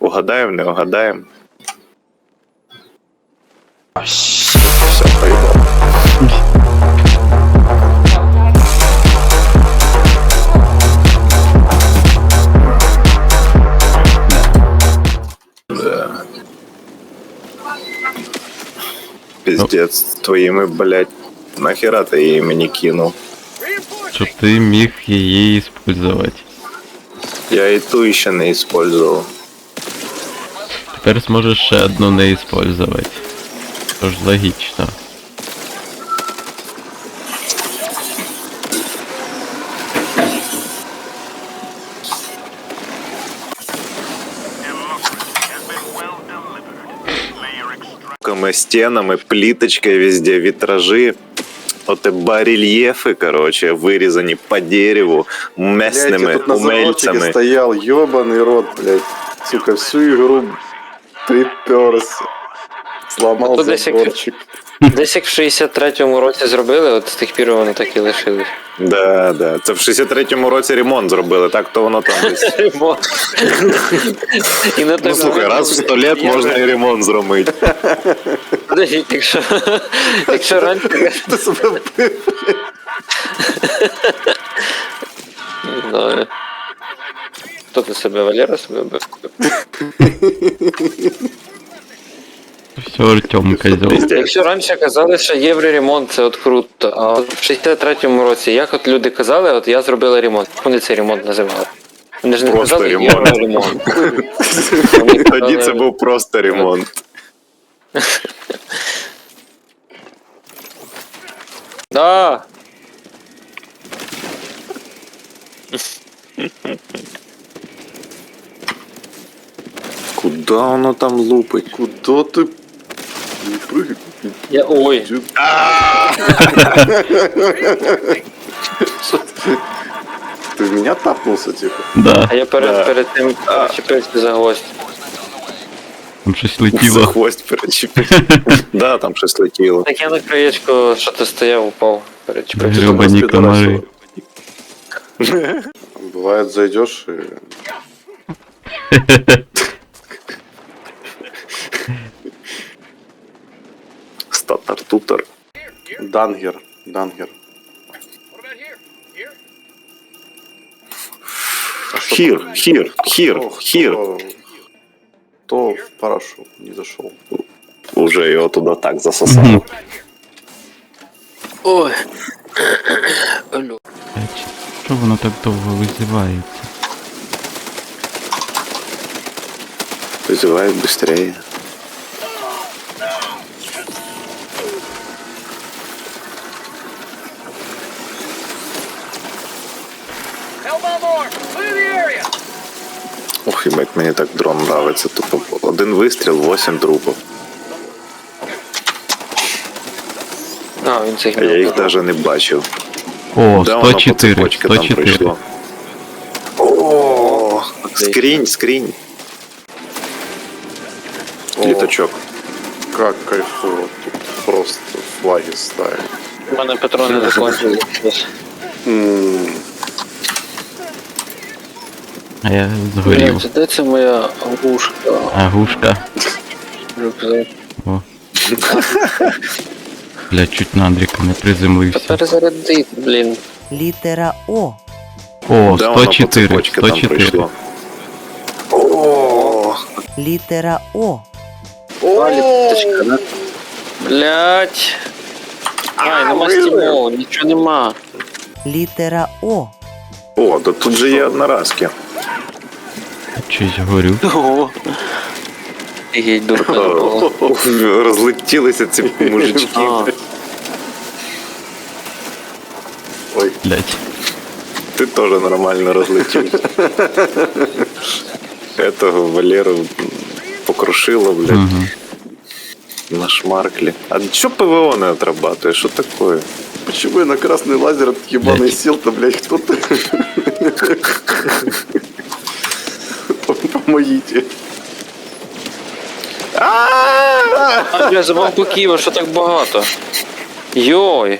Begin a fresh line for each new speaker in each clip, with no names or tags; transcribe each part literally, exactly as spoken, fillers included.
Угадаємо, не угадаємо.
Все,
поїбав. Да. Пиздец, твоими, блядь, нахера ты її мені кинув?
Щоб ти міг її использовать.
Я і ту ще не использовал.
Тепер зможеш ще одну не использовать. Тож логічно.
Стенами, плиточкой везде, витражи. Вот и барельефы, короче, вырезаны по дереву местными
блядь, я тут на
умельцами.
заводчике стоял, ёбаный рот, блядь. Сука, всю игру приперся. Сломал
Ото десь як-
заборчик.
Десь як в шістдесят третьому році зробили, от з тих пір вони так і лишились.
Да, да. Це в шістдесят третьому році ремонт зробили, так то воно там десь.
І на
Ну
той
слухай,
момент-
раз в сто лет можна і ремонт зробити.
Подождіть, якщо, якщо раніше...
Ты себя вбив.
Не знаю. Хто ти себе, Валера себе бив?
Все, Артем, козел.
Якщо раніше казали, що євроремонт це от круто, а от в шістдесят третьому році, як от люди казали, от я зробила ремонт. Як вони цей ремонт називали? Вони ж не
Просто
казали
ремонт.
євроремонт. Вони
Тоді це
казали-
був просто ремонт.
Да!
Куда воно там лупить?
Куда ты? Не прыгай.
Я... Ой!
Ты в меня тапнулся, типа?
Да,
А я перед,
Да.
перед тим чіпився за гвоздь.
там щось
За
летіло.
хвост перечепив. Да, там щось летіло.
Так я на краєчку, що ти стояв, упав. Перечіпився.
Гребані
Господи,
комари.
Бывает, зайдешь и...
Статар-тутар.
Дангер. Дангер.
Хір, хір, хір,
Ох,
хір.
То, то в парашу не зашел.
Уже його туди так засосало.
Ой. Алло.
Блядь, що воно так довго визивається?
Вызывает быстрее. Ох, ебать, мені так дрон нравиться. Тупо один вистріл, вісім трупів.
А, він цих
А я їх
мілкий.
навіть не бачив.
О,
Да, воно по
сто чотири,
цепочці
сто
там
чотири.
пройшло. О, скрінь, скрінь. Літачок.
Как кайфово. Тут просто флаги ставят.
У мене патрони закончились.
М,
А я згорів.
Блядь, де це моя гушка?
Агушка.
Рюкзак.
О. Бля, чуть на Андріка не приземлився.
Перезарядити, блін.
Літера О.
О,
Да,
сто
воно по
чотири,
цепочці
сто
там
чотири.
пройшло. О,
Літера О.
А, літачка, да? Блять. Ай, нема стімов, нічого нема.
Літера О.
О, да тут же є одноразки.
Чись горю.
Ого. Геть дурка забула.
Розлетілися ці мужички.
А,
Ой,
Блять.
Ти теж нормально розлетівся. Этого Валеру покрушило, блядь,
Угу.
на шмарклі. А чё ПВО не отрабатывает? Что такое?
почему я на красный лазер этот ебаный
Блядь.
сел-то, блядь, кто-то? Помогите.
А, бля, забав боків, що так багато. Йой.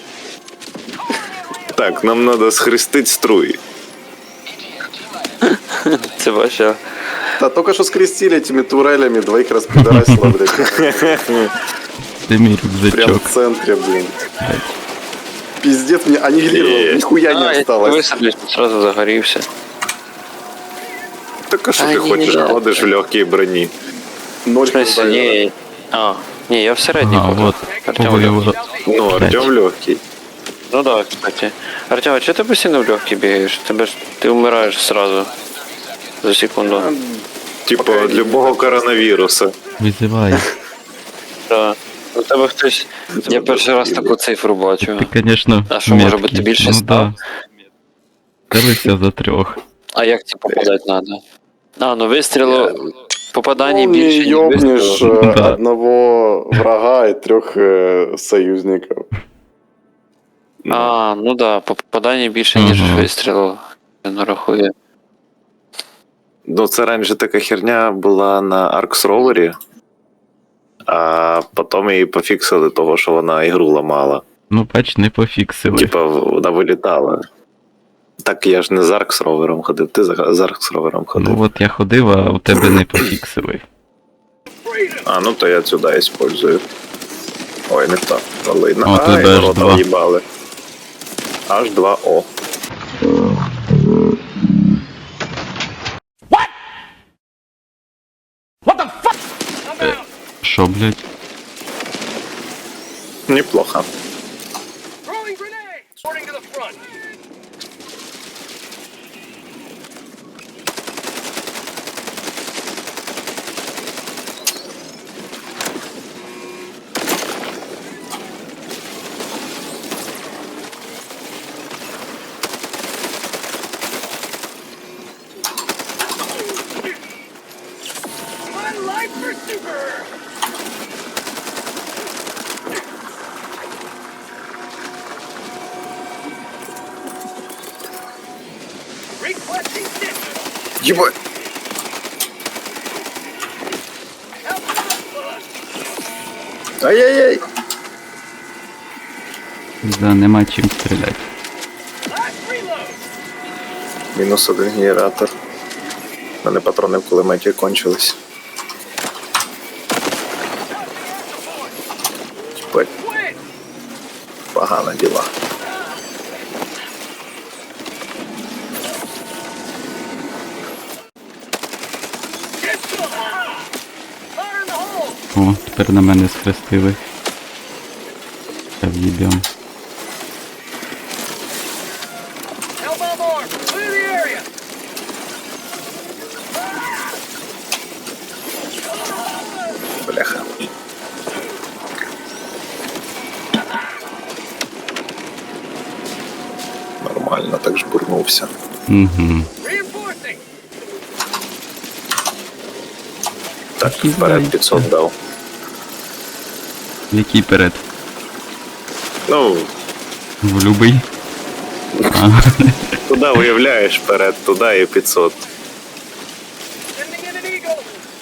Так, нам надо схрестить струї.
Це ваша
Да только что скрестили этими турелями, двоих распидорасило, блядь.
Ти мій
Прям
рюкзачок.
в центре, блин. Пиздец, мне аннигилировал, нихуя
А,
не
я
осталось.
висадлюсь, сразу загорівся.
Так а що
А,
ти
ні,
хочеш?
ні, ні.
Ходиш в легкій броні.
Ноль
В смысле,
хп.
ні. А, ні, я в середній
Ага,
ходу.
вот.
Артем,
Повоював.
Ну, Артем легкий.
ну да, кстати. Артем, а чого ти постійно в легкий бігаєш? Тебе ж ти вмираєш сразу. За секунду.
Типу, від любого коронавіруса.
Визивай.
Да. У тебе хтось. Я перший раз таку цифру бачу.
Ти, конечно,
А що, може
меткий.
бути, більше
Ну
ста?
да. Целився за трьох.
А як це попадати треба? А, ну вистрілу. Попадання
Ну, не
більше, ніж
ёбнешь
вистрілу.
э,
Да.
одного врага и трех э, союзников.
А, ну да, попадання більше, ніж
Ага.
вистрілу. Я не рахую.
Ну, це раніше така херня була на Arx Rover, а потім її пофіксили того, що вона ігру ламала.
Ну, бач, не пофіксили.
Типа, вона вилітала. Так я ж не з Arx Rover ходив, ти за- з Arx Rover ходив.
Ну от я ходив, а у тебе не пофіксили.
А, ну то я сюди использую. Ой, не так. Ладно.
О, тут
Ай,
аж
ворота
два.
в'їбали. Аж два О.
Що, блядь?
Неплохо.
Throwing grenade! Sorting to the front. One life for super! Requesting distance!
Єбать.
Help us!
Ай-яй-яй.
Да, нема чим стріляти.
Last reload!
Мінус один генератор. У мене патрони в кулеметі кончились. Єбать,
Quit!
погано діла.
Get to the hole! Fire in the hole!
О, тепер на мене схрестили. Я в'їбем.
Hellbound arm! Clear the area!
Бляха. Нормально, так жбурнувся.
Угу.
Reinforcing!
Так, вперед п'ятсот дав.
Який перед?
Ну,
В любий? А,
туди уявляєш вперед, туди і п'ятсот.
Sending in an eagle!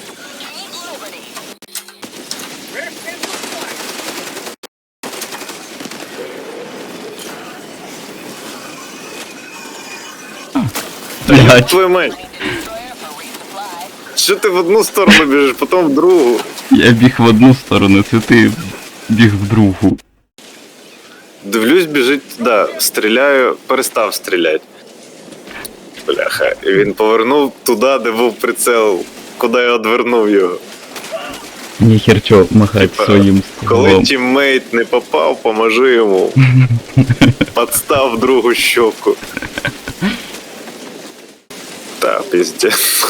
Rear pistol fire!
блядь.
Твою мать! Що ти в одну сторону біжиш, потім в другу?
Я біг в одну сторону, це ти біг в другу.
Дивлюсь, біжить туди, стріляю, перестав стріляти. Бляха, і він повернув туди, де був прицел, куди я одвернув його.
Ніхер чо махать
Типа,
своїм
Коли
стволом.
тіммейт не попав, поможи йому. Подстав другу щоку. Та, піздець.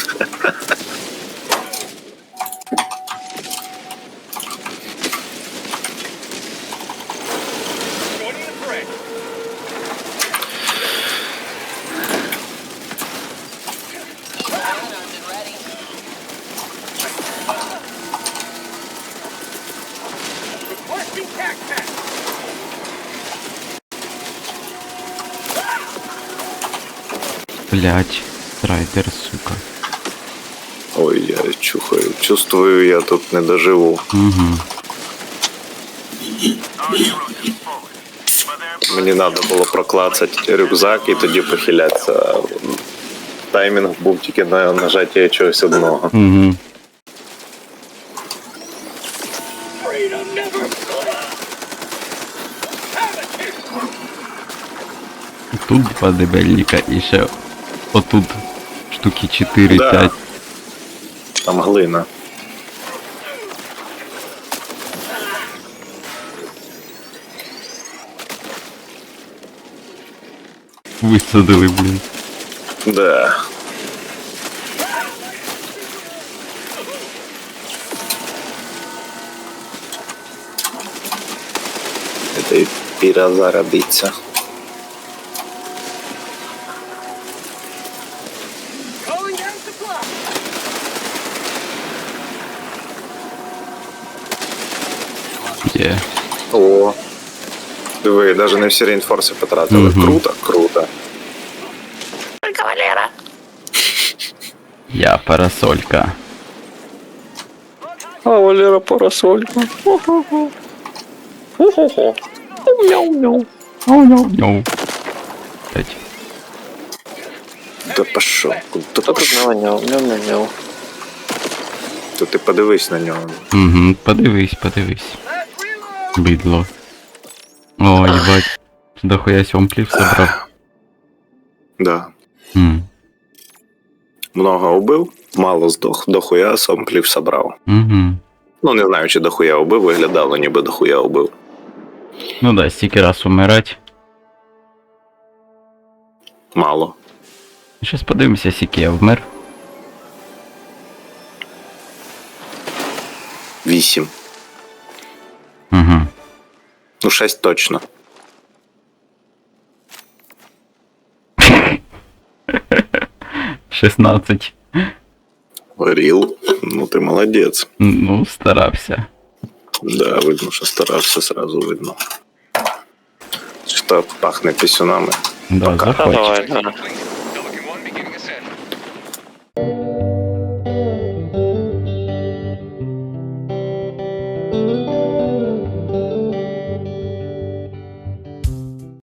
Joining the fray! Requesting tac pack!
Блять, страйдер, сука.
Ой, я чухаю. Чувствую, я тут не доживу.
Угу.
Мені треба було проклацати рюкзак і тоді похилятися. таймінг був тільки на нажаття чогось одного.
Угу.
Freedom never sleeps. Have it, kid.
Тут два дебельника і ще отут штуки
Да.
чотири-п'ять.
Там глина.
Висадили, блін.
Да. Это и пира зародиться.
Calling down supply.
Є.
О,
Диви, навіть не всі реінфорси потратили.
Мгм.
Круто, круто.
Я парасолька.
а Валера парасолька. Хо-хо-хо. Хо-хо-хо. Мяу-мяу.
Оу-ноу-ноу. П'ять.
Да пошов. Куда
Хто тут
пошов?
наваняв? Мяу-мяу-мяу.
То ти подивись на нього.
Угу, подивись, подивись.
Let's reload.
Бидло. О, їбать. Дохуя сьомплів собрав.
Да.
М.
Много убив, мало здох, дохуя сомплів собрав.
Угу.
Ну, не знаю, чи дохуя убив, виглядало, ніби дохуя убив.
Ну да, стільки раз умирать.
Мало.
Щас подивимося, скільки я вмер.
Вісім.
Угу.
Ну, шесть точно.
шістнадцять.
Ріл. Ну, ти молодець.
Ну, старався.
Да, видно, що старався, сразу видно. Що пахне пісюнами.
Да,
Та
заходь.
давай, да.